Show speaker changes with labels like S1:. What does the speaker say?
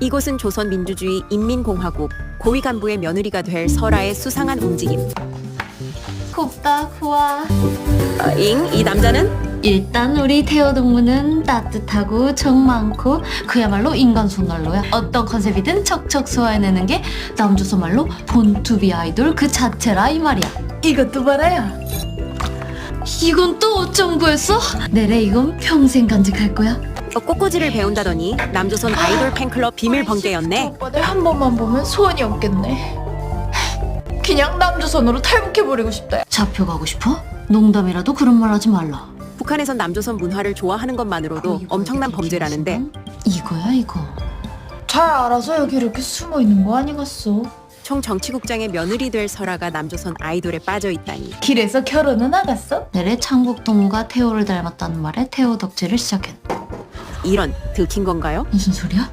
S1: 이곳은 조선민주주의 인민공화국 고위 간부의 며느리가 될 설아의 수상한 움직임.
S2: 곱다 구아.
S1: 이 남자는?
S2: 일단 우리 태호 동무는 따뜻하고 정 많고 그야말로 인간 손난로야. 어떤 컨셉이든 척척 소화해내는 게 남조선 말로 본투비 아이돌 그 자체라 이 말이야. 이것도 봐라야. 이건 또 어쩜 구했어? 내래 이건 평생 간직할 거야.
S1: 꽃꽂이를 배운다더니 남조선 아이돌 팬클럽 비밀 번개였네.
S3: 오빠들 한 번만 보면 소원이 없겠네. 그냥 남조선으로 탈북해버리고 싶다.
S2: 잡혀가고 싶어? 농담이라도 그런 말 하지 말라.
S1: 북한에선 남조선 문화를 좋아하는 것만으로도 엄청난 범죄라는데
S2: 이거야 이거.
S3: 잘 알아서 여기 이렇게 숨어 있는 거 아니겠어?
S1: 총 정치국장의 며느리 될 설아가 남조선 아이돌에 빠져 있다니.
S3: 길에서 결혼은 나갔어?
S2: 내래 창국 동무가 태호를 닮았다는 말에 태호 덕질을 시작했다.
S1: 이런, 들킨 건가요?
S2: 무슨 소리야?